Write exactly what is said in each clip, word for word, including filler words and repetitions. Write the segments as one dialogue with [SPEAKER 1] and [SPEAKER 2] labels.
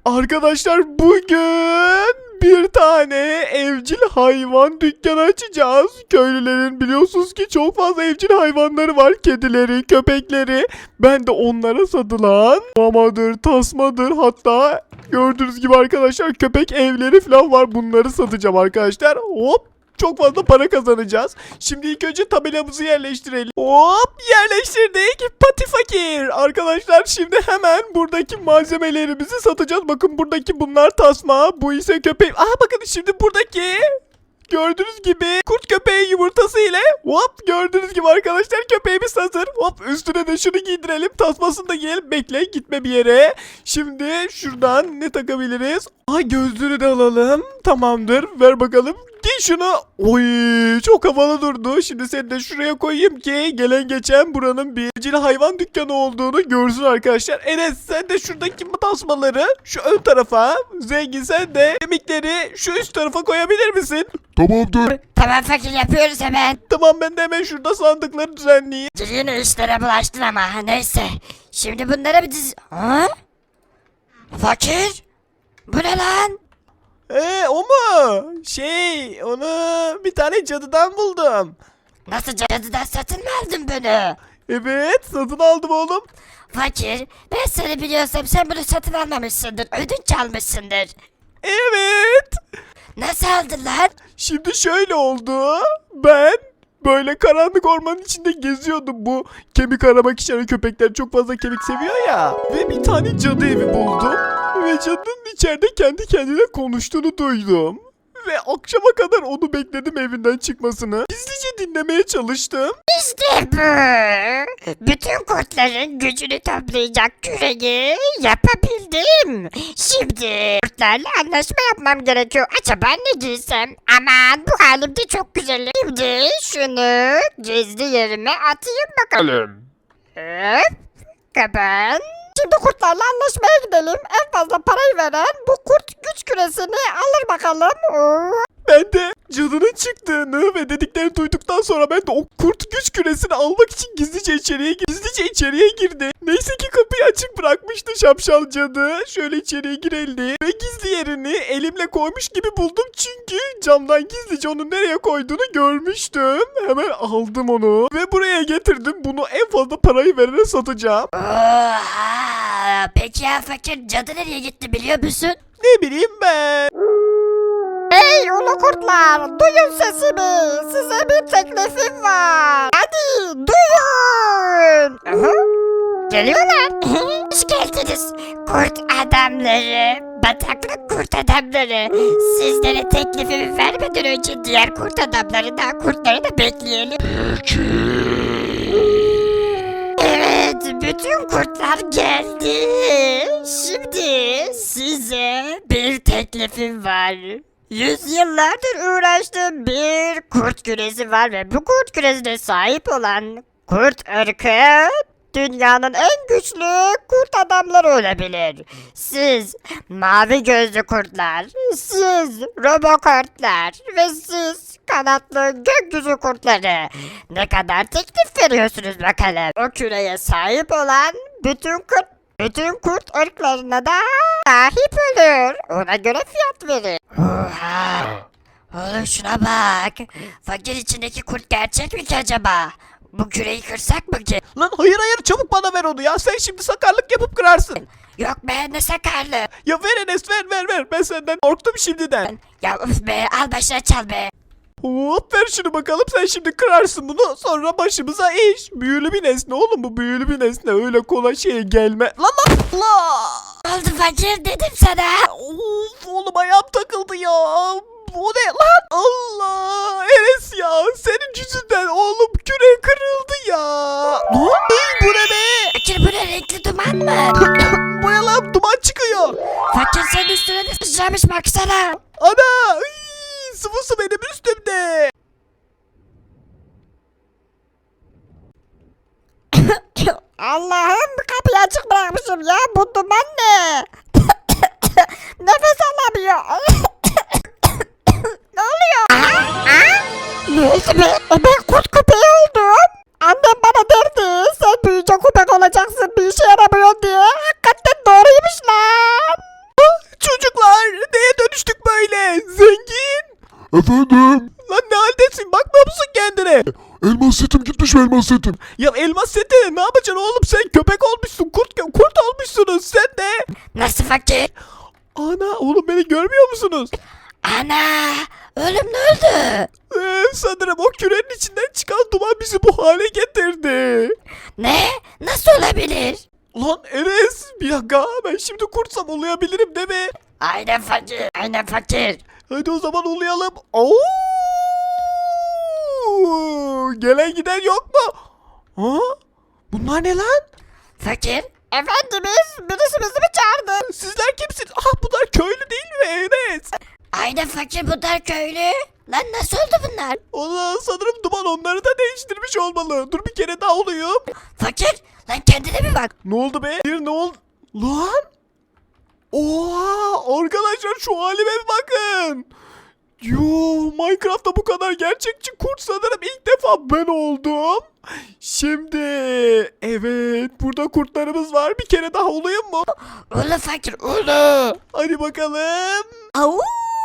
[SPEAKER 1] Arkadaşlar bugün bir tane evcil hayvan dükkanı açacağız. Köylülerin biliyorsunuz ki çok fazla evcil hayvanları var. Kedileri, köpekleri. Ben de onlara satılan mamadır, tasmadır, hatta gördüğünüz gibi arkadaşlar köpek evleri falan var. Bunları satacağım arkadaşlar. Hop. Çok fazla para kazanacağız. Şimdi ilk önce tabelamızı yerleştirelim. Hop, yerleştirdik. Pati fakir. Arkadaşlar şimdi hemen buradaki malzemelerimizi satacağız. Bakın buradaki bunlar tasma. Bu ise köpek. Aha bakın şimdi buradaki gördüğünüz gibi kurt köpeği yumurtası ile hop gördüğünüz gibi arkadaşlar köpeğimiz hazır. Hop üstüne de şunu giydirelim. Tasmasını da giyelim. Bekle gitme bir yere. Şimdi şuradan ne takabiliriz? Aha gözlüğünü de alalım. Tamamdır. Ver bakalım. Giy şunu. Oy çok havalı durdu. Şimdi seni de şuraya koyayım ki gelen geçen buranın bir evcil hayvan dükkanı olduğunu görsün arkadaşlar. Enes sen de şuradaki tasmaları şu ön tarafa, Zengin sen de kemikleri şu üst tarafa koyabilir misin?
[SPEAKER 2] Tamamdır.
[SPEAKER 3] Tamam fakir yapıyoruz hemen.
[SPEAKER 1] Tamam ben de hemen şurada sandıkları düzenleyeyim.
[SPEAKER 3] Yine işlere bulaştın ama neyse. Şimdi bunlara bir diz... Ha? Fakir? Bu ne lan?
[SPEAKER 1] Eee o mu? Şey onu bir tane cadıdan buldum.
[SPEAKER 3] Nasıl cadıdan satın mı aldın bunu?
[SPEAKER 1] Evet satın aldım oğlum.
[SPEAKER 3] Fakir, ben seni biliyorsam sen bunu satın almamışsındır. Ödünç almışsındır.
[SPEAKER 1] Evet.
[SPEAKER 3] Nasıl aldın lan?
[SPEAKER 1] Şimdi şöyle oldu. Ben böyle karanlık ormanın içinde geziyordum. Bu kemik aramak için hani köpekler çok fazla kemik seviyor ya. Ve bir tane cadı evi buldum. Ve cadının içeride kendi kendine konuştuğunu duydum. Ve akşama kadar onu bekledim evinden çıkmasını. Gizlice dinlemeye çalıştım.
[SPEAKER 3] İşte bu. Bütün kurtların gücünü toplayacak küreği yapabildim. Şimdi kurtlarla anlaşma yapmam gerekiyor. Acaba ne giysem? Aman bu halim de çok güzelim. Şimdi şunu gizli yerime atayım bakalım. Hop. Kapan. Şimdi kurtlarla anlaşmaya gidelim. En fazla parayı veren bu kurt güç küresini alır bakalım. Oo.
[SPEAKER 1] Ben de cadının çıktığını ve dediklerini duyduktan sonra ben de o kurt güç küresini almak için gizlice içeriye gizlice içeriye girdi. Neyse ki kapıyı açık bırakmıştı şapşal cadı. Şöyle içeriye girelim ve gizli yerini elimle koymuş gibi buldum çünkü camdan gizlice onu nereye koyduğunu görmüştüm. Hemen aldım onu ve buraya getirdim. Bunu en fazla parayı verene satacağım.
[SPEAKER 3] Oha! Peki ya fakir cadı nereye gitti biliyor musun?
[SPEAKER 1] Ne bileyim ben.
[SPEAKER 3] Hey ulu kurtlar duyun sesimi. Size bir teklifim var. Hadi duyun. Aha, geliyorlar. Hoş geldiniz kurt adamları. Bataklık kurt adamları. Sizlere teklifimi vermeden önce diğer kurt adamları da kurtları da bekleyelim. Evet, bütün kurtlar geldi. Şimdi size bir teklifim var. Yüzyıllardır uğraştığım bir kurt küresi var ve bu kurt küresine sahip olan kurt ırkı dünyanın en güçlü kurt adamları olabilir. Siz mavi gözlü kurtlar, siz robokurtlar ve siz kanatlı gökyüzü kurtları. Ne kadar teklif veriyorsunuz bakalım? O küreye sahip olan bütün kurt bütün kurt ırklarına da sahip olur. Ona göre fiyat verin. Oha! Oğlum şuna bak. Fakir içindeki kurt gerçek mi ki acaba? Bu küreyi kırsak mı ki?
[SPEAKER 1] Lan hayır hayır çabuk bana ver onu ya. Sen şimdi sakarlık yapıp kırarsın.
[SPEAKER 3] Yok be ne sakarlı.
[SPEAKER 1] Ya ver Enes ver ver ver. Ben senden korktum şimdiden.
[SPEAKER 3] Ya üf be al başına çal be.
[SPEAKER 1] Hop ver şunu bakalım. Sen şimdi kırarsın bunu. Sonra başımıza iş. Büyülü bir nesne oğlum bu büyülü bir nesne. Öyle kolay şeye gelme. Lan lan Allah.
[SPEAKER 3] Oldu fakir dedim sana.
[SPEAKER 1] Of oğlum ayağım takıldı ya. Bu ne lan? Allah. Enes ya. Senin yüzünden oğlum küre kırıldı ya. Lan bu ne be?
[SPEAKER 3] Fakir bu ne renkli duman mı?
[SPEAKER 1] Bu ne lan? Duman çıkıyor.
[SPEAKER 3] Fakir senin üstüne de sıçramış baksana.
[SPEAKER 1] Ana. Iy, sıvısı benim üstümde.
[SPEAKER 3] Allah'ım kapıyı açık bırakmışım ya. Bu duman ne? Nefes alamıyor. Ne oluyor? Ne oldu be? E ben kurt köpeği oldum. Annem bana derdi sen büyüyünce köpek olacaksın bir işe yaramıyor diye. Hakikaten doğruymuş lan.
[SPEAKER 2] Efendim?
[SPEAKER 1] Lan ne haldesin? Bakmıyor musun kendine?
[SPEAKER 2] Elmas setim gitmiş mi elmas setim?
[SPEAKER 1] Ya elmas seti ne yapacaksın oğlum? Sen köpek olmuşsun. Kurt kurt olmuşsunuz sen de.
[SPEAKER 3] Nasıl fakir?
[SPEAKER 1] Ana oğlum beni görmüyor musunuz?
[SPEAKER 3] Ana ölüm ne öldü?
[SPEAKER 1] Ee, sanırım o kürenin içinden çıkan duman bizi bu hale getirdi.
[SPEAKER 3] Ne? Nasıl olabilir?
[SPEAKER 1] Lan Enes bir dakika ben şimdi kurtsam uluyabilirim değil mi?
[SPEAKER 3] Aynen fakir. Aynen fakir.
[SPEAKER 1] Hadi o zaman uluyalım. Oo! Gelen giden yok mu? Ha? Bunlar ne lan?
[SPEAKER 3] Fakir. Efendimiz birisi bizi mi çağırdı?
[SPEAKER 1] Sizler kimsiniz? Ah bunlar köylü değil mi Enes?
[SPEAKER 3] Aynen fakir bunlar köylü. Lan nasıl oldu bunlar?
[SPEAKER 1] Allah sanırım duman onları da değiştirmiş olmalı. Dur bir kere daha olayım.
[SPEAKER 3] Fakir lan kendine bir bak.
[SPEAKER 1] Ne oldu be? Bir ne oldu? Lan? Oha arkadaşlar şu halime bir bakın. Yo Minecraft'ta bu kadar gerçekçi kurt sanırım ilk defa ben oldum. Şimdi evet burada kurtlarımız var. Bir kere daha olayım mı?
[SPEAKER 3] Ulu fakir ulu.
[SPEAKER 1] Hadi bakalım.
[SPEAKER 3] Au.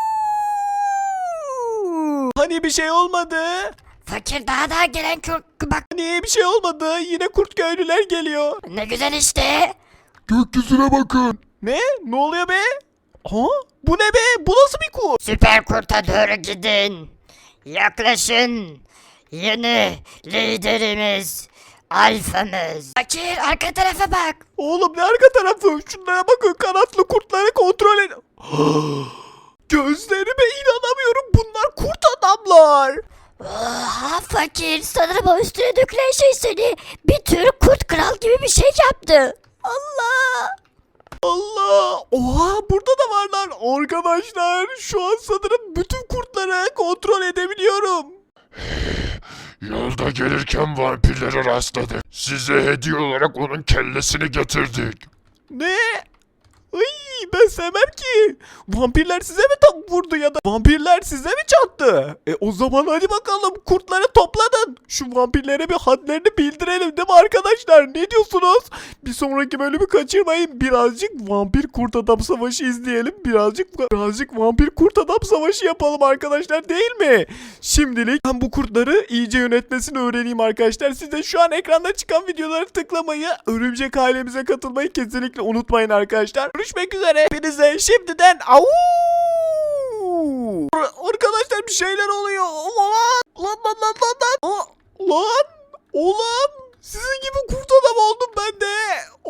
[SPEAKER 1] Hani bir şey olmadı?
[SPEAKER 3] Fakir daha daha gelen kurt bak
[SPEAKER 1] Hani bir şey olmadı? Yine kurt köylüler geliyor.
[SPEAKER 3] ne güzel işte.
[SPEAKER 2] Gökyüzüne bakın.
[SPEAKER 1] Ne? Ne oluyor be? Ha? Bu ne be? Bu nasıl bir kurt?
[SPEAKER 3] Süper kurta doğru gidin. Yaklaşın. Yeni liderimiz. Alfamız. Fakir arka tarafa bak.
[SPEAKER 1] Oğlum ne arka tarafı? Şunlara bakın kanatlı kurtları kontrol edin. Gözlerime inanamıyorum. Bunlar kurt adamlar.
[SPEAKER 3] Oha fakir sanırım o üstüne dökülen şey seni bir tür kurt kral gibi bir şey yaptı. Allah.
[SPEAKER 1] Allah! Oha burada da varlar. Arkadaşlar şu an sanırım bütün kurtları kontrol edebiliyorum.
[SPEAKER 2] Yolda gelirken vampirlere rastladık. Size hediye olarak onun kellesini getirdik.
[SPEAKER 1] Ne? Ay ben sevmem ki. Vampirler size mi tam vurdu ya da vampirler size mi çattı? E o zaman hadi bakalım kurtları topladın. Şu vampirlere bir hadlerini bildirelim değil mi arkadaşlar? Ne diyorsunuz? Bir sonraki bölümü kaçırmayın. Birazcık vampir kurt adam savaşı izleyelim. Birazcık birazcık vampir kurt adam savaşı yapalım arkadaşlar değil mi? Şimdilik ben bu kurtları iyice yönetmesini öğreneyim arkadaşlar. Siz de şu an ekranda çıkan videoları tıklamayı, örümcek ailemize katılmayı kesinlikle unutmayın arkadaşlar. Görüşmek üzere. Hepinize şimdiden au. Arkadaşlar bir şeyler oluyor. Lan lan lan lan lan. lan. Aa, lan oğlum sizin gibi kurt adam oldum ben de.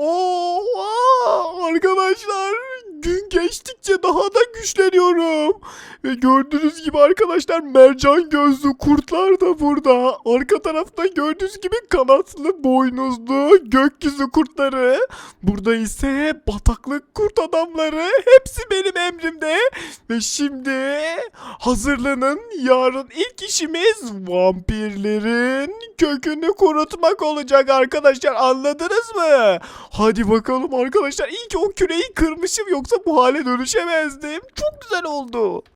[SPEAKER 1] Oha arkadaşlar gün geçtikçe daha da güçleniyorum. Ve gördüğünüz gibi arkadaşlar mercan gözlü kurtlar da burada. Arka tarafta gördüğünüz gibi kanatlı boynuzlu gökyüzü kurtları. Burada ise bataklık kurt adamları. Hepsi benim emrimde. Ve şimdi hazırlanın. Yarın ilk işimiz vampirlerin kökünü kurutmak olacak arkadaşlar. Anladınız mı? Hadi bakalım arkadaşlar. İyi ki o küreyi kırmışım yoksa bu hale dönüşemezdim. Çok güzel oldu.